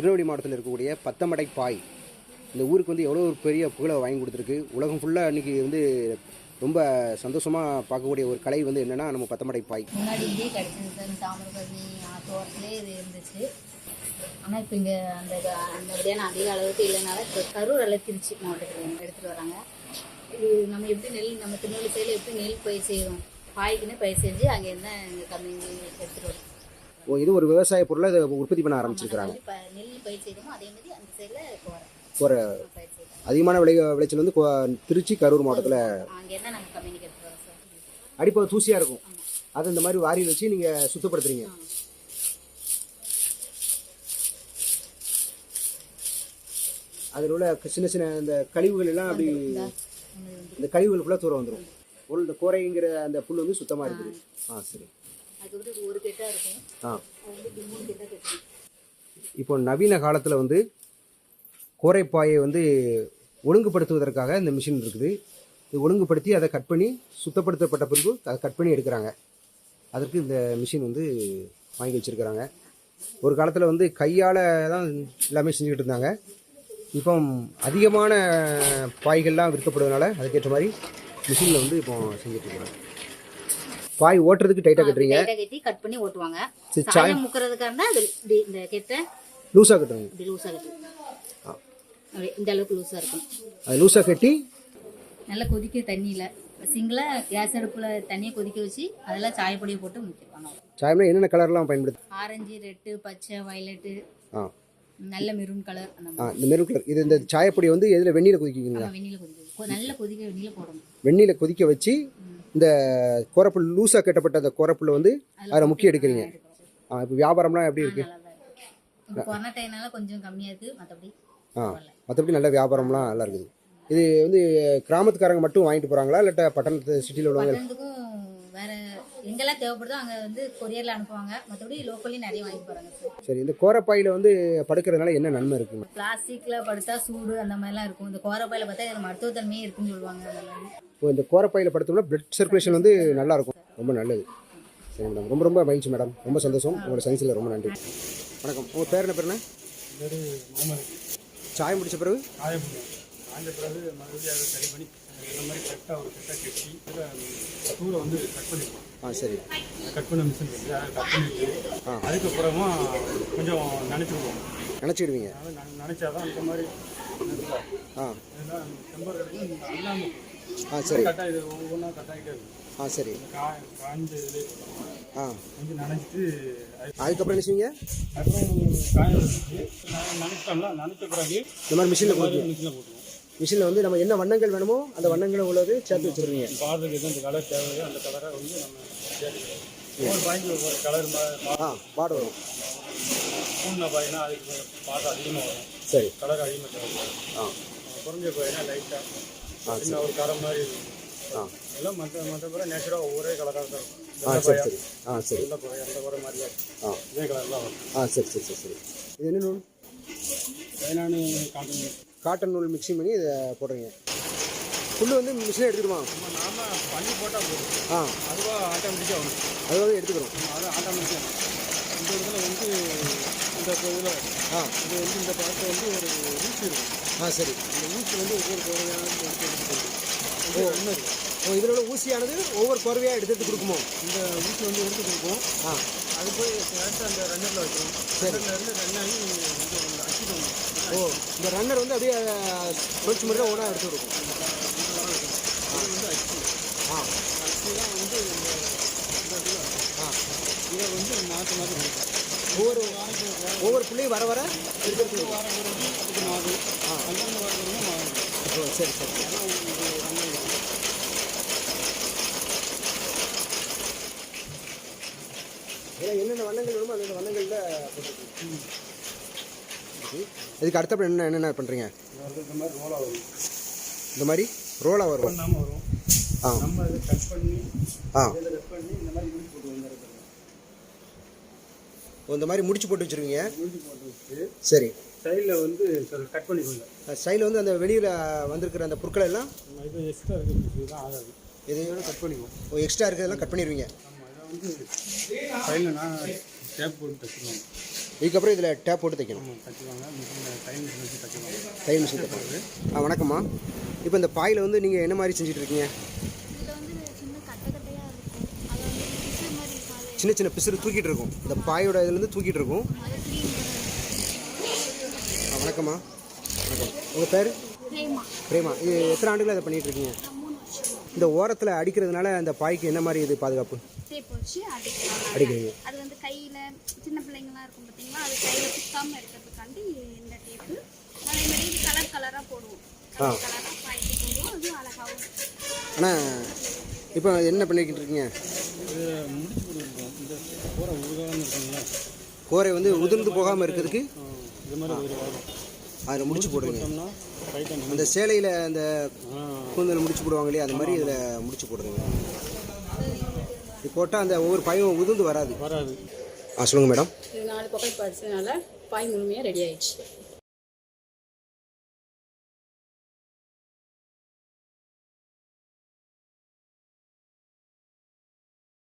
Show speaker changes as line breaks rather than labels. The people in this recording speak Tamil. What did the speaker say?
திருநெல்வேலி மாவட்டத்தில் இருக்கக்கூடிய பத்தமடை பாய் இந்த ஊருக்கு வந்து எவ்வளோ ஒரு பெரிய புகழை வாங்கி கொடுத்துருக்கு. உலகம் ஃபுல்லாக இன்றைக்கி வந்து ரொம்ப சந்தோஷமாக பார்க்கக்கூடிய ஒரு கலை வந்து என்னென்னா நம்ம பத்தமடை பாய்.
முன்னாடி இதே கிடச்சிருந்தது தாமிரபரணி தோட்டத்திலே இது இருந்துச்சு. ஆனால் இப்போ இங்கே அந்தபடியான அதிக அளவுக்கு இல்லைனால இப்போ கரூர் அல்ல திருச்சி மாவட்டத்தில் எடுத்துகிட்டு வராங்க. இது நம்ம எப்படி நம்ம திருநெல்வேலி சைடில் எப்படி நெல் பயிர் செய்கிறோம், பாய்க்குன்னு பயிர் செஞ்சு அங்கேருந்து எங்கள் கம்பெனி எடுத்துகிட்டு வரோம்.
இது ஒரு விவசாய பொருளை இதை உற்பத்தி பண்ண ஆரம்பிச்சிருக்கிறாங்க.
நெல் பயிர் செய்கிறோமோ அதே மாதிரி அந்த சைடில்
ஒரு அதிகமான விளைச்சல் வந்து திருச்சி கரூர் மாவட்டத்தில்
அங்கேருந்து நாங்கள் கம்பெனிக்கு எடுத்துகிட்டு வரோம் சார்.
அடிப்பது தூசியாக இருக்கும், அதை இந்த மாதிரி வாரியில் வச்சு நீங்கள் சுத்தப்படுத்துறீங்க. அதில் உள்ள சின்ன சின்ன இந்த கழிவுகள் எல்லாம் அப்படி இந்த கழிவுகள் ஃபுல்லாக தூரம் வந்துடும். இந்த கோரைங்கிற அந்த புல் வந்து சுத்தமாக இருக்குது. சரி.
ஒரு கெட்டாக இருக்கும்.
இப்போ நவீன காலத்தில் வந்து கோரைப்பாயை வந்து ஒழுங்குபடுத்துவதற்காக இந்த மிஷின் இருக்குது. இது ஒழுங்குபடுத்தி அதை கட் பண்ணி சுத்தப்படுத்தப்பட்ட பிறகு அதை கட் பண்ணி எடுக்கிறாங்க. அதற்கு இந்த மிஷின் வந்து வாங்கி வச்சுருக்கிறாங்க. ஒரு காலத்தில் வந்து கையால் தான் எல்லாமே செஞ்சுக்கிட்டு இருந்தாங்க. இப்போ அதிகமான பாய்கள்லாம் விற்கப்படுவதனால அதுக்கேற்ற மாதிரி மிஷினில் வந்து இப்போ செஞ்சுட்டு இருக்கிறாங்க. பாய் ஓட்டுறதுக்கு டைட்டாக கட்டுறீங்க,
கட்டி கட் பண்ணி ஓட்டுவாங்க. சாயம் முக்கிறதுக்காக இருந்தால் இந்த கெட்டை
லூஸாக கட்டுறீங்க.
இப்படி லூஸாக கட்டுங்க, இந்த அளவுக்கு லூஸாக இருக்கும்.
அது லூஸாக கட்டி
நல்லா கொதிக்க தண்ணியில் சிங்கிளாக கேஸ் அடுப்பில் தண்ணியை கொதிக்க வச்சு அதெல்லாம் சாயப்பொடியை போட்டு முக்கிடுவாங்க.
சாயம்னா என்னென்ன கலர்லாம் பயன்படுது?
ஆரஞ்சு, ரெட்டு, பச்சை, வயலட்டு, நல்ல மெரூன் கலர்.
இந்த மெரூன் கலர். இது இந்த சாயப்பொடி வந்து எதில் வெந்நீரில் கொதிக்குங்களா?
வெந்நீரில் கொதிக்க நல்ல கொதிக்க வெந்நீரில் போடணும்.
வெந்நீரில் கொதிக்க வச்சு இந்த கோரப்புல் லூஸாக கட்டப்பட்ட அந்த கோரப்புல் வந்து அதில் முக்கிய எடுக்கிறீங்க. இப்போ வியாபாரம்லாம் எப்படி இருக்குது?
கொரோனா டைம்னால கொஞ்சம் கம்மியாக இருக்குது,
மற்றபடி நல்ல வியாபாரம்லாம் நல்லா இருக்குது. இது வந்து கிராமத்துக்காரங்க மட்டும் வாங்கிட்டு போகிறாங்களா இல்லாட்ட பட்டணத்து சிட்டியில் உள்ளவங்க?
வேறு எங்கெல்லாம் தேவைப்படுதோ அங்கே வந்து கொரியரில் அனுப்புவாங்க. மற்றபடி லோக்கல்லையும் நிறைய வாங்கிட்டு போகிறாங்க.
சரி. இந்த கோரப்பாயில் வந்து படுக்கிறதுனால என்ன நன்மை இருக்குங்க?
பிளாஸ்டிக்கில் படுத்தா சூடு அந்த மாதிரிலாம் இருக்கும். இந்த கோரப்பாயில் பார்த்தா இது மருத்துவத்தன்மையே இருக்குன்னு சொல்லுவாங்க.
இப்போ இந்த கோரப்பாயில் படுத்தோம்னா பிளட் சர்க்குலேஷன் வந்து நல்லா இருக்கும், ரொம்ப நல்லது. சரி மேடம், ரொம்ப ரொம்ப மகிழ்ச்சி மேடம், ரொம்ப சந்தோஷம். உங்களோட சயின்ஸில் ரொம்ப நன்றி. வணக்கம். உங்கள் பேர் என்ன? பேர் என்ன? சாயம் பிடிச்ச பிறகு
காய்ந்த பிறகு மறுபடியும் அதை சரி பண்ணி இந்த மாதிரி கரெக்டாக ஒரு கரெக்டாக கட்டி தூளை வந்து கட் பண்ணிடுவோம்.
சரி.
கட் பண்ண மிஷின் இருக்குது, அதை கட் பண்ணிட்டு அதுக்கப்புறமா கொஞ்சம் நினச்சிடுவோம்.
நினச்சிடுவீங்க?
நினச்சாதான் இந்த மாதிரி இதெல்லாம் டெம்பர் கிடைக்கும். அல்லாமல்
சரி.
கட்டாக இது ஒவ்வொன்றா கட்டாகிட்டே இருக்கும்.
சரி.
காய்ஞ்ச இதில் கொஞ்சம் நினச்சிட்டு
அதுக்கப்புறம் என்ன செய்வீங்க?
அப்புறம் காய வச்சு நினச்சிட்டோம்ல, நினச்ச பிறகு
இந்த மாதிரி மிஷினில் போட்டுருவோம். மிஷினில் வந்து நம்ம என்ன வண்ணங்கள் வேணுமோ அந்த வண்ணங்களை உள்ளது சேர்த்து வச்சுருவீங்க.
பார்த்துக்கு எது அந்த கலர் தேவையோ அந்த கலரை வந்து நம்ம சேர்த்துக்கிறோம். ஒரு பாய்க்கு ஒரு கலர்
பாடு வரும்.
பூனை பாய்னா அதுக்கு பாட்டு அதிகமாக வரும்.
சரி.
கலர் அதிகமாக தேவைப்படும். குறைஞ்ச பாய்னா லைட்டாக சின்ன ஒரு கரை மாதிரி இருக்கும். எல்லாம் மற்றபடி நேச்சுராக ஒரே கலராக தான் இருக்கும்.
சரி சரி. சரி.
எந்த குறை அந்த குறை மாதிரியா இருக்கும், இதே கலர்லாம் வரும்.
சரி சரி சரி சரி. இது என்ன நூல்?
பதினானு
காட்டன் நூல் மிக்சிங் பண்ணி இதை போடுறீங்க. புல் வந்து மிஷினை எடுத்துக்கிடுவோம்.
நாம பண்ணி போட்டால் போதும். அதுவாக ஆட்டோமேட்டிக்காக வரும்.
அதுவாக எடுத்துக்கிறோம்.
அது ஆட்டோமேட்டிக்காக இந்த இடத்துல வந்து இந்த இதில் இது வந்து இந்த பழத்தை வந்து ஒரு ஊசி இருக்கும்.
சரி.
இந்த ஊசி வந்து ஒவ்வொரு குறையாக
இதில் உள்ள ஊசியானது ஒவ்வொரு குறவையாக எடுத்து கொடுக்குமோ?
இந்த ஊசி வந்து எடுத்து கொடுக்கும். அது போய் கரெக்டாக அந்த ரன்னரில் வைக்கிறோம். ரன்னர்லேருந்து ரன்னாகி வந்து அடிச்சுக்கணும்.
இந்த ரன்னர் வந்து அப்படியே சுழற்சி முறையில் ஒன்றா எடுத்து கொடுக்கும்.
இது வந்து அச்சு தான் வந்து இதை வந்து மாற்றி மாற்றி கொடுக்கும்.
ஒவ்வொரு பிள்ளையும் வர வர
எடுத்து வாரம் இதுக்கு மாறும். அந்தந்த வாரம் மாறும்.
சரி சரி. ஏன்னா என்னென்ன வண்ணங்கள் வேணுமோ அந்தந்த வண்ணங்களில் போட்டுருக்கோம். இதுக்கு அடுத்தப்படி என்னென்ன பண்ணுறீங்க?
இந்த மாதிரி ரோலாக வரும்.
இந்த மாதிரி ரோலாக வரும்.
பண்ணாமல் வரும். நம்ம இதை கட் பண்ணி இதில் கட் பண்ணி இந்த மாதிரி முடிச்சு போட்டு வந்துடுறது.
இந்த மாதிரி முடிச்சு போட்டு வச்சுருவீங்க.
முடிச்சு போட்டு வச்சு
சரி.
சைடில் வந்து கட் பண்ணிக்கோங்க.
சைடில் வந்து அந்த வெளியில் வந்திருக்கிற அந்த பொருட்கள் எல்லாம்
இது எக்ஸ்ட்ரா இருக்குது தான் ஆகாது.
எது
கட் பண்ணிக்குவோம்.
எக்ஸ்ட்ரா இருக்கிறதெல்லாம் கட் பண்ணிடுவீங்க.
ஆமாம். இதை வந்து சைடில் டேப் போட்டு தைச்சிருவாங்க.
இதுக்கப்புறம் இதில் டேப் போட்டு தைக்கணும்.
தைச்சிருவாங்க. மிஷின் டைம் மிஷின் வச்சு தைச்சிருவாங்க.
தையல் மிஷின் தைப்பாங்க. வணக்கம்மா. இப்போ இந்த பாயில் வந்து நீங்கள் என்ன மாதிரி செஞ்சுட்டு இருக்கீங்க?
இதில் வந்து சின்ன கட்டை கட்டையாக இருக்கும். அதை வந்து பிசு மாதிரி இருக்கும். அதை
சின்ன சின்ன பிசுறு தூக்கிட்டு இருக்கும். இந்த பாயோட இதுலேருந்து தூக்கிட்டு இருக்கும்.
அதை க்ளீன்
வணக்கம்மா. வணக்கம். உங்கள் பேர்? பிரேமா. இது எத்தனை ஆண்டுகள் அதை பண்ணிகிட்டு இருக்கீங்க?
3 வருஷம்
இந்த ஓரத்தில் அடிக்கிறதுனால அந்த பாய்க்கு என்ன மாதிரி இது பாதுகாப்பு
டேப் வச்சு அடிக்கலாம்.
அடிக்கிறீங்க?
அது வந்து கையில் சின்ன பிள்ளைங்களாம் இருக்கும் பார்த்தீங்களா, அது கையில் சுத்தாமல் இருக்கிறதுக்காண்டி இந்த டேப்பு. அதே மாதிரி இது கலர் கலராக போடுவோம். கலர் கலராக பாய்ச்சி போடுவோம். அது அழகாகவும்.
ஆனால் இப்போ என்ன பண்ணிக்கிட்டு இருக்கீங்க?
இது முடிச்சு கொடுத்துருக்கோம். இந்த கூரை உருகாமல் இருக்குங்களா,
கோரை வந்து உதிர்ந்து போகாமல் இருக்கிறதுக்கு
இது மாதிரி ஒரு வரும்.
அதில் முடிச்சு போடுங்க.
போட்டோம்னா ரைட்டாக
அந்த சேலையில் அந்த கூந்தல் முடிச்சு போடுவாங்க இல்லையா, அந்த மாதிரி இதில் முடிச்சு போடுங்க. இது போட்டால் அந்த ஒவ்வொரு பாயும் உதிர்ந்து வராது.
வராது.
சொல்லுங்கள் மேடம்.
இது 4 பக்கம் படிச்சதுனால பாய் முழுமையாக ரெடி ஆயிடுச்சு.